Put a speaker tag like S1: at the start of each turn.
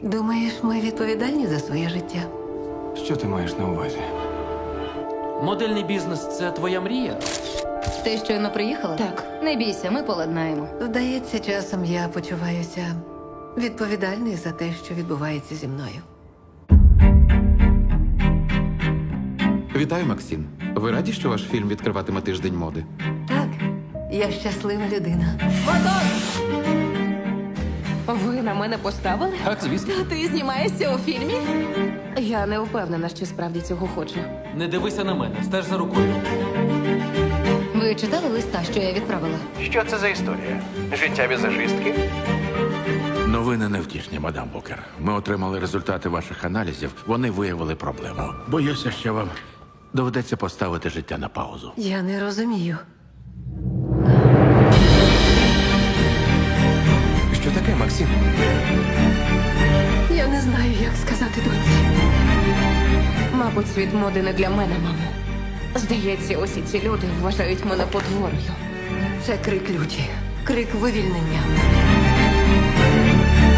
S1: Думаєш, ми відповідальні за своє життя?
S2: Що ти маєш на увазі?
S3: Модельний бізнес – це твоя мрія?
S4: Ти щойно приїхала?
S5: Так.
S4: Не бійся, ми поладнаємо.
S1: Здається, часом я почуваюся відповідальною за те, що відбувається зі мною.
S6: Вітаю, Максим. Ви раді, що ваш фільм відкриватиме тиждень моди?
S1: Так, я щаслива людина.
S5: Ви на мене поставили?
S3: Так, звісно.
S5: Ти знімаєшся у фільмі? Я не впевнена, що справді цього хочу.
S3: Не дивися на мене, стеж за рукою.
S4: Ви читали листа, що я відправила?
S7: Що це за історія? Життя візажистки?
S8: Новини невтішні, мадам Букер. Ми отримали результати ваших аналізів. Вони виявили проблему. Боюся, що вам доведеться поставити життя на паузу.
S1: Я не розумію.
S2: Що таке, Максим?
S1: Я не знаю, як сказати доньці.
S5: Мабуть, світ моди не для мене, мамо. Здається, усі ці люди вважають мене потворою.
S1: Це крик люті, крик вивільнення.